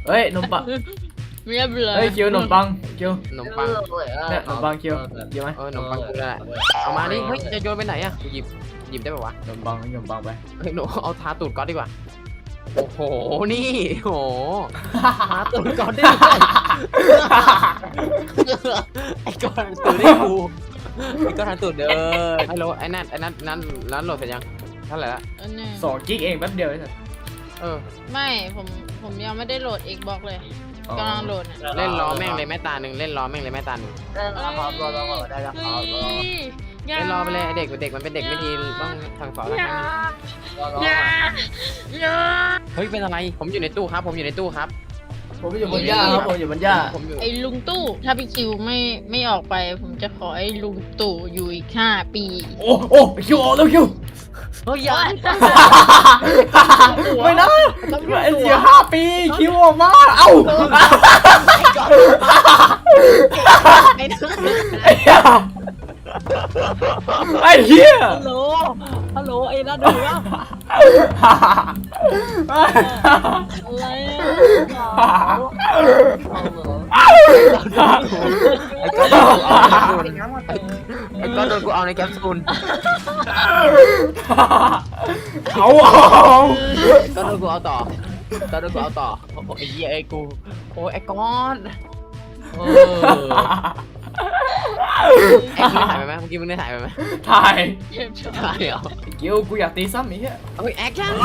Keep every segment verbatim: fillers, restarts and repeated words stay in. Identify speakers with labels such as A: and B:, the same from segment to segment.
A: เฮ้ยนมปัง
B: เรียบเลย
A: เฮ้ยคิวขนมปังคิว
C: ขนมปัง
A: เนี่ยขนมปังคิวเยอะไหม
C: เออขนมปังกูได้เอามาดิเฮ้ยจะโยนไปไหนอะกูหยิบหยิบได้ป่าวะ
A: ขนมปังขนมปังไป
C: เฮ้ยหนูเอาทาตูดก๊อตดีกว่าโอ้โหนี่โหทาตูดก๊อตได้ด้วยไอ้ก๊อตตูดได้กูไอ้ก๊อตทาตูดเด้อไอ้โหลไอ้นั่นไอ้นั่นนั่นนั่นโหลดเสร็จยังเท่าไหร่ละ
B: อันนี้
A: สองกิกเองแป๊บเดียวไอ้สัส
C: เออ
B: ไม่ผมผมยังไม่ได้โหลด Xbox เลยกำลังโหลดเนี่ย
C: เล่นล้อแม่งเลยแม่ตาหนึ่งเล่นล้อแม่งเลยแม่ตาหนึ่ง
D: เออรอรอรอรอได้แล้ว
B: เฮ้ยอย่า
C: เล่นล้อไปเลยเด็กเด็กมันเป็นเด็กไม่ดีต้องสั่งสอน
B: อย่า
D: รอรอ
B: อย่าอย่า
C: เฮ้ยเป็นอะไรผมอยู่ในตู้ครับผมอยู่ในตู้ครับ
A: ผมอยู่บนหญ้าครับผมอยู่บนหญ้า
C: ผมอยู่
B: ไอ้ลุงตู้ถ้าพี่คิวไม่ไม่ออกไป ผมจะขอไอ้ลุงตู่อยู่อีกห้าปี
A: โอ้โอ้คิวออกแล้วคิว
C: เฮ้ยอย่า
A: ไม่นะไอ้เสียห้าปีคิวออกมาเอ้า
C: ไอ้นั่น
A: ไอ้เหี้ย
C: ฮัลโหลฮัลโหลไอ้นั่นดูว่า
B: อะไรอ่ะ
C: ไอ้ก้อนโดนเอาไอ้ก้อนโดนกูเอาในแคปซูล
A: เอาเอา
C: ก้อนโดนกูเอาต่อก้อนโดนกูเอาต่อโอ้ไอ้เหี้ยไอ้กูโอ้ไอ้ก้อนเออไอ้มึงได้ถ่ายไปไหมเมื่อกี้มึงได้ถ่ายไปไหม
A: ถ่าย
B: เจ็บชอบ
C: ถ่ายเหรอ
A: เกียวกูอยากตีซ้ำอีกเหี้ย
C: เฮ้ยแอคชั่น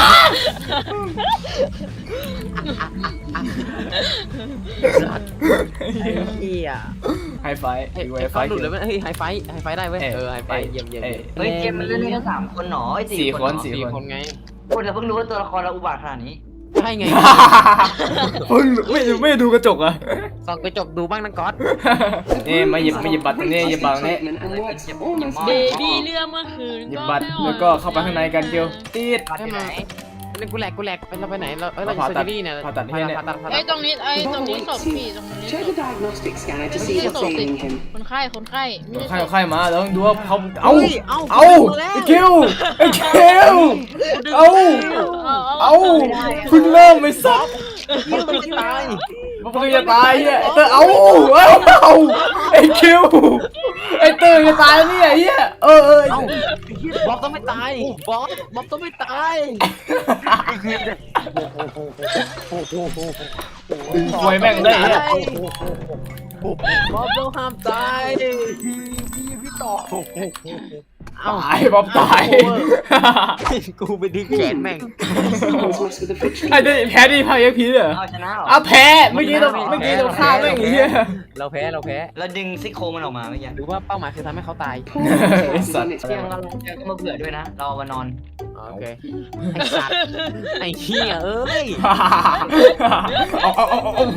C: เหี้ย
A: ไฮไฟ
C: ไอ้
A: ไฮ
C: ไอ้
A: ไฟ
C: ก้อนหลุดเลยไหมเฮ้ยไฮไฟไฮไฟได้เว้ยเออไฮไฟเยี่ยมเยี่ยม
D: เฮ้ยเกมมันเล่นได้แค่สามคนหนอไอ้
A: สี่
D: สี่
A: ค
D: คน น
A: สี่
C: สี่
A: ค
C: คน นไง
D: คนเราเพิ่งรู้ว่าตัวละครเราอุบาทขนาดนี้
C: ใช่ไง
A: เพิ่งไม่ไม่ดูกระจกอ่ะ
C: ส่องกระจกดูบ้างนะก๊อต
A: นี่มาหยิบมาหยิบบัตรตรงนี้หยิบบัตรตรงนี้
B: เบบี้เรื่องเมื่อคืน
A: หยิบ
B: ก็
A: บัตร
B: ไม่อ
A: แล้วก็เข้าไปข้างในกันเกียวตีด
D: บัตรอยู่ไหน
C: เล่นกูแหลกกูแหลกไปเราไปไหนเราเอ้ยเรา
A: ผ่า
C: เซอ
A: ตั
C: ร์
A: ด
C: เจอรี่เนี่ย
A: ผ่าตัดให้เนี่ย
C: ผ่าตัดผ่า
B: ไอ้
C: ตัด
B: ตรงนี้ไอ้ตรงนี้ศพพี่ตรงนี้ศ
E: Check
B: พ
E: the diagnostic scanner to
B: ไม่
E: see
B: ใช่
E: what's
B: ศพสิ
E: ailing him.
B: คนไข้คนไข้ไม่
A: ใคร
B: ใช่ศพ
A: ใครมาแล้วต้องดูว่าเขาเอา
C: เอา
A: เอาไอ้คิวไอ้คิวเอา เอาเพิ่งเริ่มไม่ซับ
C: ยิงมันจะตาย
A: มันเพิ่งจะตายเฮียไอ้เตอร์เอาเอาเอาไอ้คิวไอ้เตอร์จะตายแล้วเนี่ยเฮียเออเออ
C: เอ้าบ๊อบต้องไม่ตายบ๊อบบ๊อบต้องไม่ตาย
A: ดึงควยแม่งได้เฮีย
C: บ๊อบต้องห้ามตายพี่พี่ต่อเอ้า
A: ตายบ๊อบตาย
C: กูไปดึงแขนแม่ง
E: Someone's messed with the fixture.
A: ไอ้ได้แพ้ดิพายพีเหรอ
D: เอาชนะเหรอ
A: อ่ะแพ้เมื่อกี้เราเมื่อกี้เราฆ่าแม่งเฮีย
C: เราแพ้เราแพ้
D: แล้วดึงซี่โครงมันออกมาเมื่อกี้
C: หรือว่าเป้าหมายคือทำให้เขาตาย
A: ไอ้สัตว์
D: เที่ยงเราเจอก็มาเบื่อด้วยนะ เรามานอน
C: โอเคไอ้สัตว์ไอ้เหี้ยเอ้ย
A: เอาเอาเอาเอา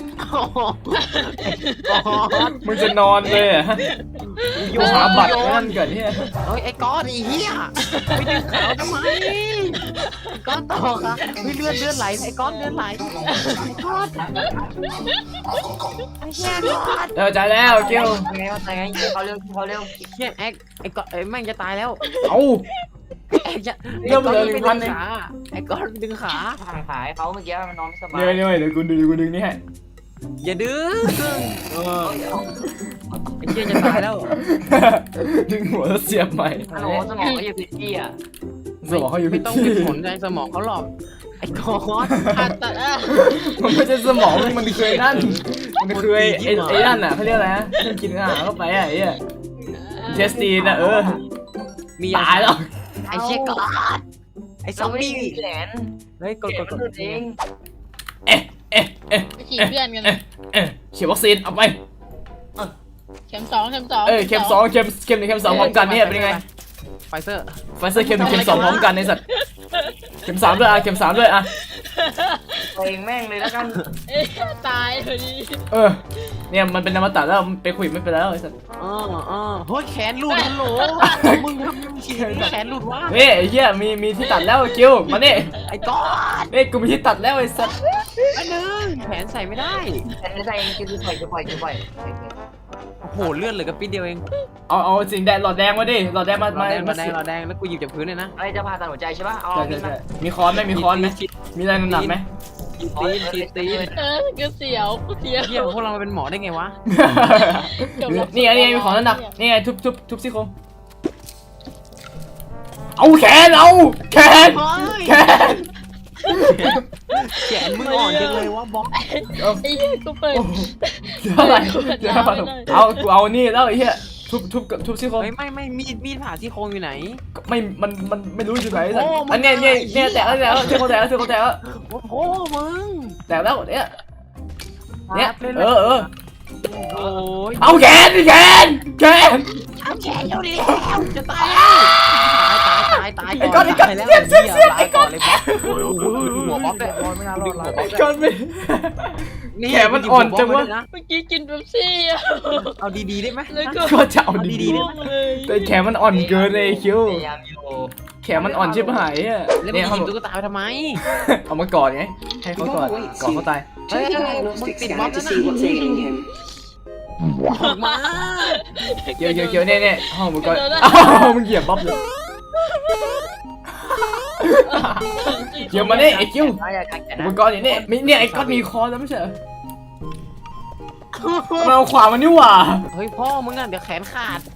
A: มึงจะนอนเลยอ่ะอยู่หาบัตรนั่นเกิดเฮีย
C: เฮ้ยไอ้ก้อนไอ้เหี้ยไปดึงขาวทำไมไอ้ก้อนต่อครับเฮ้ยเลือดเลือดไหลไอ้ก้อนเลือดไหลไอ้ก้อนไอ้เหี้ยก้อน
A: เออใจแล้วเกียว
D: ไงว่าไงเขาเร็วเขาเร็ว
C: เหี้ยแอ็กไอ้ก้อนไอ้แม่งจะตายแล้ว
A: เอา
C: แอ็กจะ
A: เริ่มเลยหนึ่งพันเอง
C: ขาไอ้ก้อนดึงขา
D: ทางขายเขาเมื่อกี้มันนอนไม่สบาย
A: เดี๋ยวเดี๋ยวเดี๋ยวกูดึงกูดึงนี่ให้
C: อย่าดึงเออไอ้เหี้ยจะตายแล้ว
A: ดึงหัวแล้วเสียบใหม่
D: ฮัลโหลสมองเขาอยู่ผิดที่อ่ะ
A: สมองเขาอยู่
C: ไม่
A: ผิด
C: ต้อง
A: ที่
C: มีผลในสมองเขาหรอกไอ้ก้อน
B: ผ่าตัดอ่ะ
A: มันไม่ใช่สมองมันเคยนั่นมันเคยไอ้ไอ้นั่นอ่ะเขาเรียกอะไรนะกินอาหารเข้าไปอ่ะไอ้เทสตีนอ่ะเออ
C: มี
A: ตายแล้ว
C: ไอ้เชี่ยก้อนไอ้ซอมบี้
D: แหลน
C: เฮ้ยกด
D: เก็
C: ก
D: บ
C: ดก
D: มัน
C: ด
D: เอง
A: เอ๊ะเอ๊ะเอ๊ะ
B: ไปฉีดเพื่อนกัน
A: เอ๊ะเอ๊ะฉีดวัคซีนเอาไป
B: เข็มสองเข็มสอง
A: เอ้ยเข็มสองเข็มเข็มหนึ่งเข็มสองพร้อมกันเนี่ยเป็นยังไง
C: ไฟเซอร์
A: ไฟเซอร์เข็มหนึ่งเข็มสองพร้อมกันในสัตว์เข็มสามด้วยอ่ะเข็มสามด้วยอ่ะ
D: ตัวเองแม่งเลยแล้วกัน
B: เอ๊ะตายพอดี
A: เออเนี่ยมันเป็นอมตะแล้วไปคุยไม่เป็นแล้วไอ้สัตว์
C: อ๋ออ๋อเฮ้ยแขนหลุดฮัลโหลมึงทำยังไงแขนหลุดวะ
A: เฮ้ยไอ้เหี้ยมีมีที่ตัดแล้วคิวมานี่
C: ไอ้ก้อน
A: เฮ้ยกูมีที่ตัดแล้วไอ้สัตว์
C: อันนึงแขนใส่ไม่ได้
D: แต่ในใจเองคือปล่อยจะปล่อยจะปล่อย
C: โอ้โหเลื่อนเหลือกับปิดเดียวเอง
A: เอาเอาสิ่งแดงหลอดแดงมาดิหลอดแดงมา
C: เรา
A: มา
C: แดง
A: มา
C: เราแดงเราแดงแล้วกูหยิบจากพื้นเลยนะ
D: อะไรจะผ่าตัดหัวใจใช่ป่ะเอา
A: ใช่
D: มี
A: ใช่
D: ดมา
A: ใช่มีค้อนไหมมีค้อนไหมมีอะไรหนักๆไหม
C: ตีนตีนตีน
B: เออก็เสียวก็เสียว
C: เฮียพวกเราเป็นหมอได้ไงวะ
A: นี่ไงนี่ไงมีของระดับนี่ไงทุบทุบทุบซี่โครงเอาแขนเอาแขนแขน
C: แขนมึงอ่อนจังเลยวะบ๊อบ
A: เอา
B: ไอ้เหี้ยกูเปิด
A: เดี๋ยวอะไรเดี๋ยวอะไรเอากูเอานี่แล้วไอ้เหี้ยทุบทุบทุบซี่โครง
C: เฮ้ยไม่ไม่มีดมีดผ่าซี่โครงอยู่ไหน
A: ไม่มันมันไม่รู้อยู่ไหนสัต
C: โอ้
A: ว์
C: มัน
A: อันเนี้ยเนี่ย
C: ไอ้เหี้
A: เนี่ย ยแตกแล้วแตกแล้วซี่โครงแตกแล้วซี่โครงแตกแล้ว
C: โอ้โหมึง
A: แตกแล้วเนี่ยเนี่ยเออเออ
C: โอ้ย
A: เอาแขนแขนแขน
C: เอาแขนเร็วดิแล้วจะตายแล้วตายตายตาย
A: ไอ้ก้อนไอ้ก้อน
C: ตายแล้ว
A: เสียบเสียบเสียบ
C: ตา
A: ไอ้
C: ย
A: ก้
C: ก่
A: อ
C: อน นเลยบ๊อบหัวบ๊อบเลย
D: บอลไม่น่ารอด
C: หัว
D: ละ
C: บ๊อบ
A: ไอ้ก้อนไม่
C: นี่
A: แขนมันอ่อนจังวะ
C: นะ
B: เมื่อกี้กินเป๊ปซี่อะ
C: เอาดีๆได้ไหม
B: แล้วก็
A: ก็จะเอา
C: เอา
A: ดี
C: ดีๆได้
B: ร่ว
C: ไหม
B: งเลย
A: ๆแต่แขนมันอ่อนเกินเลยคิว
D: พยายามอยู่
A: แขนมันอ่อนชิบหายอ่ะ
C: แล้วมึ
A: เนี่
C: ง
A: ย
C: ห
A: เขา
C: ยิ
A: บบ อก
C: ตุ๊กตาไปทำไม
A: เอามากอดไงให้เขากอดกอดเขาตาย
E: Check the diagnostic scanner to see what's ailing him.
C: ออกมา
A: เกี่ยวเกี่ยวเกี่ยวเนี่ยเนี่ยห้องมึงก็อ้าวมึงเหยียบบ๊อบเลยเกี่ยวมาเนี่ยไอ้คิว
D: ไม่อยากแข่ง
A: อุ
D: นะ
A: ปกรณ์อย่างนี้มีเนี่ยไอ้ก๊อตมีคอแล้วไม่ใช่เหรอมันเอาขวามันนี่หว่า
C: เฮ้ยพ่อมึงอ่ะเดี๋ยวแขนขาด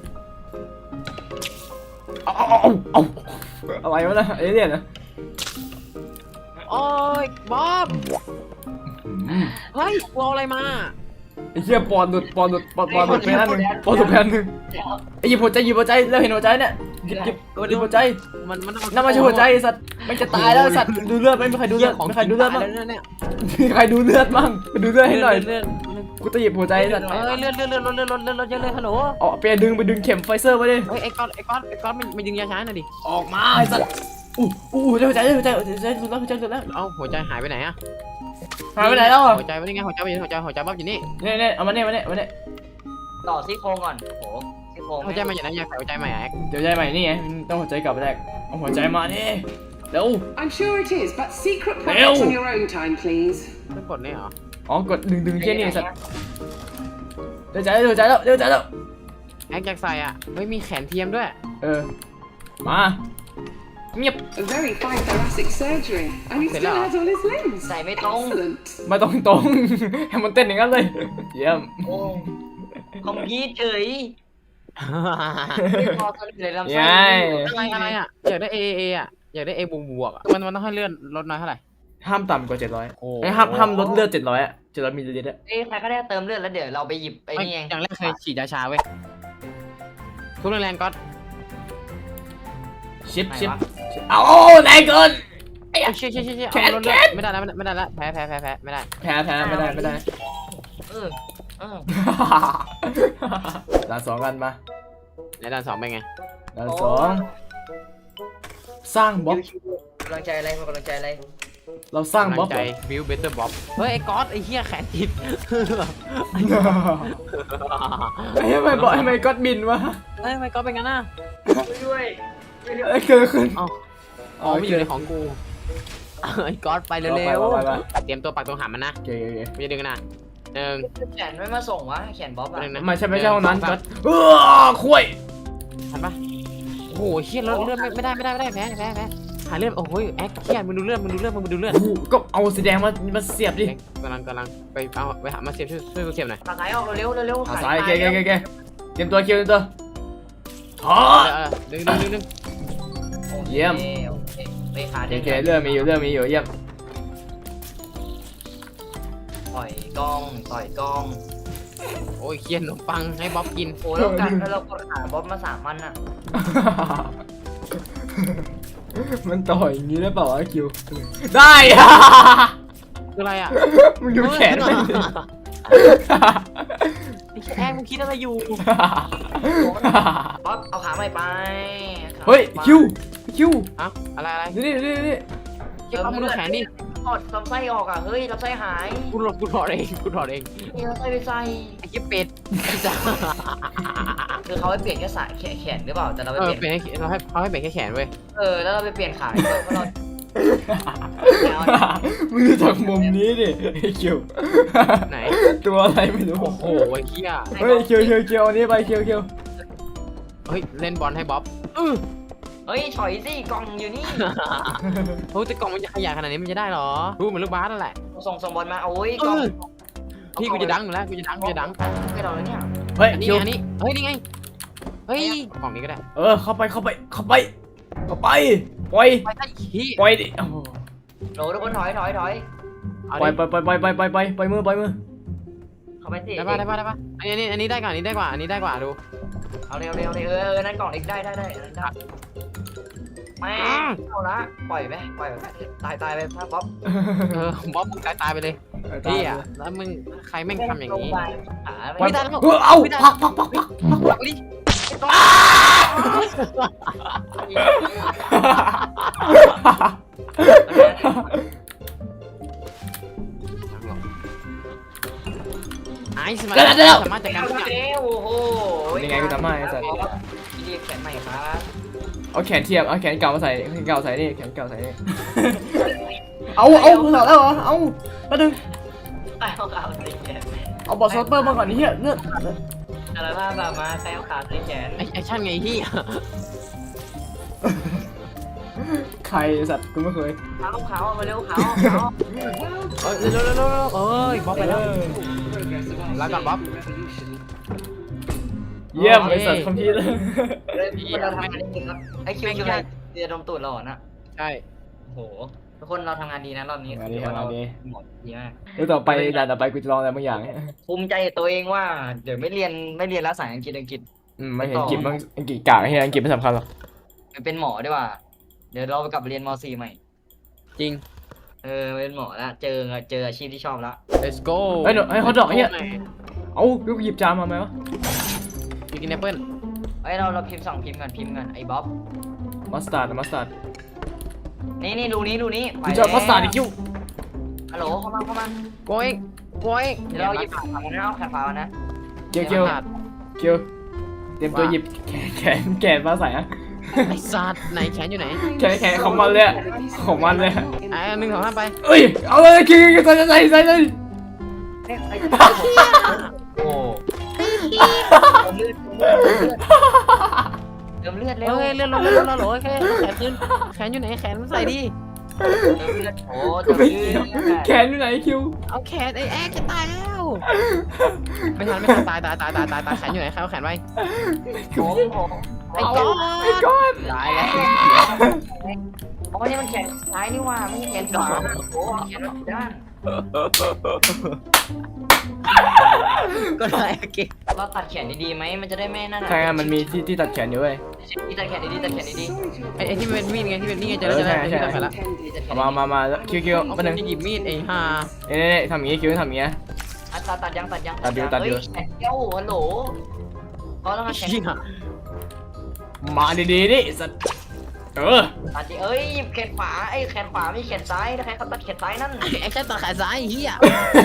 A: เอาเอาเอาเอาอะไรวะนะไอ้เนี่ยนะ
C: โอ้ยบ๊อบเฮ้ยกูเอาอะไรมา
A: ไอ้เหี้ยปอนหลุดปอนหลุดปอนปอนหลุดไปนั่นหนึ่งปอนหลุดไปนั่นหนึ่งไอ้หยิบหัวใจหยิบหัวใจแล้วเห็นหัวใจเนี่ยหยิบหยิบหยิบหัวใจ
C: มันมัน
A: นั่นไม่ใช่หัวใจไอ้สัตว์มันจะตายแล้วไอ้สัตว์ดูเลือดไหมมีใครดูเลือด
C: ของ
A: มีใครดูเลือด
C: บ้า
A: บ้าง
C: งเนี่ย
A: มีใครดูเลือดบ้างไปดูเลือดให้หน่อย
C: เลื่อน
A: กูจะหยิบหัวใจไอ้สัตว์
C: เอ้ยเลื่อนเลื่อนเลื่อนเลื่อนเลื่อนเลื่อนเลื่อนเลื่อนเลยฮัลโหล
A: เอาไปดึงไปดึงเข็มไฟเซอร์มาดิ
C: เฮ้ยไอ้ก้อนไอ้ก้อนไอ้ก้อนมันมันยิงยาช้าหน่อยดิ
A: ออกมาไอ้สัตว์อู้อู้หัวใจหัวใจหัวใจหัวใจสุดแล้วหัวใจสุดแล้ว
C: เอ้าหัวใจหายไปไหนอะ
A: หายไปไหนแล้วอ่ะ
C: หัวใจไม่ได้ไงหัวใจไม่หัวใจหัวใจบ๊อบอยู่นี่
A: เนี่ยเนี่ยเอามาเนี่ยมาเนี่ยมาเนี่ย
D: ต่อซี่โครงก่อนโหซี่โครง
C: หัวใจมาอย่างนั้นอยากใส่หัวใจใหม่อะแอ๊ก
A: เดี๋ยวใจใหม่นี่ไงต้องหัวใจกลับไปแรกเอาหัวใจมาดิเร็ว
E: I'm sure it is, but secret
A: Ew.
E: products on your own time, please.
C: ไม่กดนี่เหรอ
A: อ๋อกดดึงดึงแค่นี้สัตว์เดี๋ยวใจเดี๋ยวใจแล้วเดี๋ยวใจแล้ว
C: แอ๊กอยากใส่อ่ะเฮ้ยมีแขนเทียมด้วย
A: เออมาเงียบ
E: A very fine thoracic surgery, and he still has all his limbs.
D: ใส่ไม่ตรง
E: Excellent.
A: ไม่ต้องตรง ให้มันเต้นอย่างนั้นเลยเยี่ยม
D: โอ้คอมพิวเฉยไม่พอตัวเลยลำไส้
C: อะไรอะไรอ่ะอยากได้เอเออ่ะอยากได้เอบวกบวกอ่ะมันมันต้องให้เลื่อนลดน้อยเท่าไหร่
A: ห้ามต่ำกว่าเจ็ดร้อย
C: โอ้
A: ไอ้ห้ามห้ามลดเลือดเจ็ดร้อยอะเจ็ดร้อยมิลลิลิตรอะ
D: เอ้ยใครก็ได้เติมเลือดแล้วเดี๋ยวเราไปหยิบไอ้
C: ไม่
D: นี่เอง
C: อย่างแรกเคยฉีดยาชาเว้ยทุกแรงๆก็
A: ชิปชิปเอาแรงเกิน
C: เอ้ยเชี่ยเชี่ยเชี่ย
A: แขน
C: เอาลด
A: แข
C: เลือน ดไม่ได้แล้วไม่ได้แล้วแพ้แพ้แพ้แพ้ไม่ได้
A: แพ้แพ้ไม่ได้ไม่ได้
D: เออเออ
A: ด่านสองกันมา
C: ในด่านสองเป็นไง
A: ด่านสองสร้างบล็อก
D: กำลังใจอะไรกำลังใจอะไร
A: เราสร้างบล็อก
C: ใจบิวเบเตอร์บ๊อบเฮ้ยไอ้ก๊อตไอ้เหี้ยแขนติด
A: ไอ้ทำไมบอกทำไมก็บินวะ
C: เฮ้ยทำไมก๊อตเป็นงั้นน่ะ
D: ด้วย
A: ไอ้เกิดขึ้น
C: อ๋ออ๋อไม่อยู่ในของกูไอ้ก๊อตไปเร็วๆเตรียมตัวปักตรงหามมันนะ
A: โอเคโอเค
C: ไม่จะดึงนะหนึ่ง
D: แขนไม่มาส่งวะแขนบ๊อบอะ
C: หนึ่งนะ
A: ไม่ใช่ไม่ใช่ห้องนั้นก็เออคุย
C: ทันปะโอ้โหเชี่ยเลือดเลือดไม่ได้ไม่ได้ไม่ได้แพ้แพ้แพ้หาเลือดโอ้โหแอ๊กเชี่ยมึงดูเลือดมึงดูเลือดมึงดูเลือด
A: โอ้โหก็เอาสีแดงมามาเสียบดิ
C: กำลังกำลังไปเอาไปหามาเสียบช่วยช่วยกูเสียบหน่อย
D: ขาซ้ายออกเร็วเร็วเร็ว
A: ขาซ้ายโอเคโอเคโอเคเตรียมตัวคิวเตรียมตัวฮะ
C: เออดึงดึงดึงดึง
A: เยี่ยม
D: ไปขา
A: โอ
D: เด้ง
A: เคเรื่องมีอยู่เรื่องมีอยู่เยี่ยม
D: ต่อยกล้องต่อยกล้อง
C: โอ้ยเคียนขนมปังให้บ๊อบกิน
D: โอ้แล้วกันแล้วเรากดขาบ๊อบมาสามมันอะ
A: มันต่ออย่างนี้ได้เปล่าวะคิวได้ อะ
C: คืออะไรอ่ะ
A: มึงดูแขนไปดิ
C: ไอ้แอ๊กมึงคิดอะไรอยู่
D: บ๊อบเอาขาใหม่ไป
A: เฮ้ยคิวคิว
C: อะอะไรอะไร
A: นี่นี่นี่นี่
C: เชี่ยมึงดูแขนดิ
D: ถอดลำไส้ออกอ่ะเฮ้ยลำไส้หาย
C: กูถอดกูถอดเองกูถอดเอง
D: นี่ลำไส้ไปใส่
C: ไอ้เหี้ยเป็ด
D: คือเขาไปเปลี่ยนแค่สายแขนหรือเปล่าแต่เราไป
C: เออ
D: เปลี่ยน
C: เป็นให้เราให้เขาให้เป็นแค่แขนเว้ย
D: เออแล้วเราไปเปลี่ยนขาด้วยเพราะเรา
A: มึงดูจากมุมนี้ดิไอ้คิว
C: ไหน
A: ตัวอะไรไม่รู้
C: โอ้โหไอ้เหี้ย
A: เฮ้ยคิวคิวคิวอันนี้ไปคิวคิว
C: เฮ้ยเล่นบอลให้บ๊อบอื้อ
D: เฮ้ยถอยสิกล่องอยู่นี่
C: โอ้แต่กล่องมันจะขยายขนาดนี้มันจะได้หรอรู้เหมือนลูกบาสนั่นแหละ
D: ส่งส่งบอลมาโอ้ยกล่อง
C: พี่กูจะดังอยู่แล้วกูจะดังกูจะดัง
D: ให้เราแล้วเนี่ย
A: เฮ้ย
C: อันนี้
A: คิว
C: อันนี้เฮ้ยนี่ไงเฮ้ยกล่องนี้ก็ได้
A: เออเข้าไปเข้าไปเข้าไปเข้าไปปล่อย
C: ไปได้ขี้
A: ปล่อยดิโอ้โห
D: โหลทุกคนถอยถอยถอย
A: ปล่อยปล่อยปล่อยปล่อยปล่อยปล่อยปล่อยปล่อยมือปล่อยมือ
D: เข้าไปสิ
C: ได้ป่ะได้ป่ะได้ป่ะอันนี้อันนี้ได้กว่าอันนี้ได้กว่าอันนี้ได้กว่าดู
D: เอาเร็วเร็วเร็วเออนั่นกล่องเล็กได้ได้ได้ได้ไม่เอาละปล่อยไปปล่อยไปตายตายไปภาพบ๊อบ
C: เออบ๊อบมึงตายตายไปเลยพี่อ่ะแล้วมึงใครแม่งทำอย่างนี้
A: ปล่อย
C: ไม่ได้แล้ว
A: เออเอาพักพักพักพัก
C: ปักดิไอ้สมาร์ทสามารถจัดการทุกอย่าง
D: โอ้โห
A: ยังไงกูทำให้ไอ้สัตว์
D: เรียกแขนใหม่ครับ
A: เอาแขนเทียบเอาแขนเก่ามาใส่แขนเก่าใส่นี่แขนเก่าใส่นี่เอาเอามึงเหรอแล้วเหรอเอาแป๊บนึง
D: เอาขาใส่แขน
A: เอาบอสซอปเปอร์มาก่อนนี่เฮียเนื้อ
D: อะไรบ้างแบบมาใครเอาขาใส่แขน
C: ไอ้แอคชั่นไงที่
A: ใครสัตว์กูไม่เคย
D: เขาเขามาเร็วเขาเขา
C: เอ้ยเร็วเร็วเร็วเอ้ยบ๊อบไปแล้ว
E: Progress of our
C: Like that, Bob.
E: sustainable revolution.
A: เยี่ยมไอสัตว์คอมพิวเตอร์
D: คนเราทำงานดีครับไอคิวคืออะไรเรียนดมตูดหล่อนะ
C: ใช่
D: โหทุกคนเราทำงานดีนะรอบนี้หมดดีมาก
A: เดี๋ยวต่อไปด่านต่อไปกูจะลองอะไรบางอย่าง
D: ภูมิใจตัวเองว่าเดี๋ยวไม่เรียนไม่เรียนแล้วสายอังกฤษอังกฤษ
A: อืมไม่เห็นอังกฤษมันอังกฤษกากไอ้เหี้ยอังกฤษไม่สำคัญหรอก
D: เป็นหมอดีกว่าเดี๋ยวเราไปกลับเรียนม .สี่ ใหม่
C: จริง
D: เออเป็นหมอแล้วเจอเจออาชีพที่ชอบแล้ว
C: let's go
A: เฮ้ยเดี๋ยวให้เขาดอกไอ้เหี้ยเอากูหยิบจานมาไหมวะ
C: มีกินแอปเปิ้ล
D: เฮ้ยเราเราพิมพ์สองพิมพ์กันพิมพ์กันไอ้บ๊อบ
A: มัสตาร์ดมัสตาร์ด
D: นี่นี่ดูนี้ดูนี้
A: กูจะมัสตาร์ดอีกคิว
D: ฮัลโหลเข้ามาเข้ามา
C: โกยโกย
D: เดี๋ยวเราหยิบขาขานะเอาขาขานะ
A: เกียวเกียวเกียวเตรียมตัวหยิบแขนแขนแขนมาใส่อะ
C: ไอ้สัตว์ไหนแขนอยู่ไหน
A: แขนแขนของมันเลยอะของมันเลย
C: ไอ้หนึ่งสองห้าไป
A: เอ้ยเอาเลยคิวใส่ใส่ใส่ใส่
D: โอ้เติมเลือดเติมเลือดเร็ว
C: เฮ้ยเลื่อนลงเลื่อนลงแล้วโอเคแขนขึ้นแขนอยู่ไหนแขนมันใส่ดิ
D: เติมเลือดโอ้
A: กู
D: เติม
A: ไม่
D: เลื
A: เกี่ยว
D: อด
A: แขนอยู่ไหนคิว
C: เอาแขนไอ้แอ๊กจะตายแล้วไม่ทันไม่ทันตายตายตายตายตายตายแขนอยู่ไหนใครเอาแขนไว้
D: ผมผม
C: ไอ้ก้อน
A: ไอ้ก้อน
C: ตายแล้ว
D: อ๋อนี่มันแขนซ้ายนี่ว่าไม่ใช่แขนขวาโอ้แขนด้าน
C: ก็ได้โอเค
D: เราตัดแขนดีๆไหมมันจะได้ไม่นั่น
A: ใช่ไงมันมีที่ที่ตัดแขนอยู่เว้ย
D: ที่ตัดแขนดีๆตัดแขนดี
E: Sorry to
C: ไอ้ไอ้ที่เป็นมีดไงที่เป็นนี่ไงเจอแล้วเจอแล้วที่ตัดแขนละ
E: intended.
A: เอามามามาคิวคิว
C: เอา
A: มาหนึ่ง
C: จะหยิบมีดไอ้ห่า
A: เน่เน่ทำอย่างงี้คิวทำอย่างงี้
D: ๆอ่ะตัดตัดยังตัดยัง
A: ตัดอยู่ตัดอยู่
D: เฮ้แขนเกี้ยวฮัลโหลก็ต้องมาแขน
C: เหี้ย
A: มาดีๆดิสัตว์เออ
D: ตัดดิเอ้ยหยิบแขนขวาไอ้แขนขวาไม่แขนซ้ายนะใครเขาตัดแขนซ้ายนั่น
C: แอคชั่นตัดแขนซ้ายเฮีย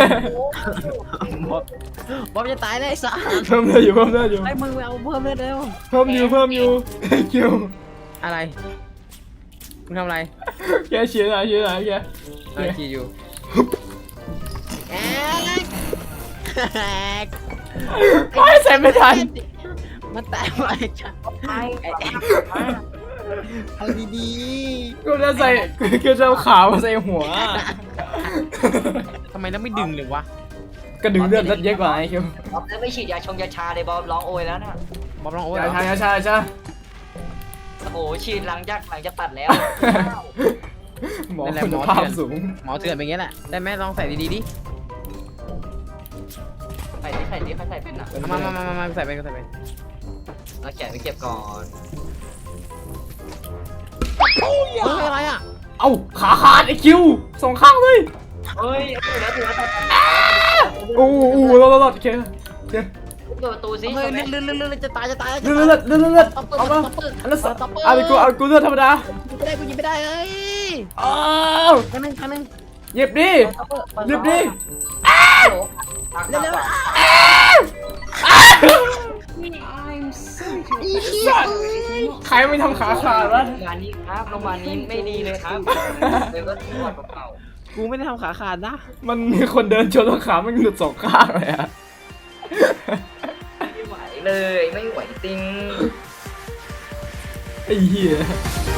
C: บอมจะตายได้สัส
A: เพิ่มเลือดอยู่เพิ่มเลือดอยู่
C: ไอ้มึงไปเอาเพิ่มเลือดเร็ว
A: เพิ่มอยู่เพิ่มอยู่คิว
C: อะไรมึงทำอะไร
A: แกเชียร์อะไรเชียร์อะไรแก
C: อะไรทีอยู่แอ๊กแอ๊ก
A: ไม่ใส่ไม่ทัน
C: มันแตกไปจ้ะ
D: ไอ้
C: เอาดี
A: กูจะใส่กูจะเอาขาวมาใส่หัว
C: ๆทำไมแล้วไม่ดึงเลยวะ
A: ก็ดึงเลือดเลือดเยอะกว่าไอ้คิว
D: บอมไม่ฉีดยาชงยาชาเลยบอมร้องโอยแล้วนะ
C: บอมลองโอ้ย
A: ใช่ใช่ใช่ใช่
D: โอ้โหฉีดหลังจากหลังจากตัดแล้ว
A: หมอคุณภาพสูง
C: หมอเถื่อนเป็นอย่างนี้แหละได้ไหมลองใส่ดีๆดิ
D: ใส่ดิใส่ดิใครใส่เป็นอ่ะ
C: มามามามาใส่ไปก็ใส่ไป
D: เราแขนไปเก็บก่อน
C: เฮ้ยอะไรอ่ะ
A: เอ้าขาขาดไอ้คิวสองข้างเลย
D: เฮ้ยเอาแล้วถือว่าตัด
A: โอ้โหรอดรอดโอเคโอเค
D: เปิดประตูซิ
C: เฮ้ยเลือดเลือดเลือดเลือดจะตายจะตาย
A: เลือดเลือดเลือดเลือดเอามาอันนั้นสัตว์เอาไปกูเอากูเลือดธรรมดา
C: ไม่ได้กูยิงไม่ได้เอ้ย
A: อ้าว
C: ครั้งนึงครั้งนึง
A: หยิบดิหยิบดิ
D: เร็ว
E: I'm sorry to interrupt.
A: ใครไม่ทำขาขาดวะ
D: โรงพยาบาลนี้ครับโรงพยาบาลนี้ไม่ดีเลยครับเดี๋ยวก็ที่วัดเก่า
C: กูไม่ได้ทำขาขาดนะ
A: มันมีคนเดินชนแล้วขามันหลุดสองข้างเลยอะ
D: ไม่ไหวเลยไม่ไหวจริง
A: ไอ้เหี้ย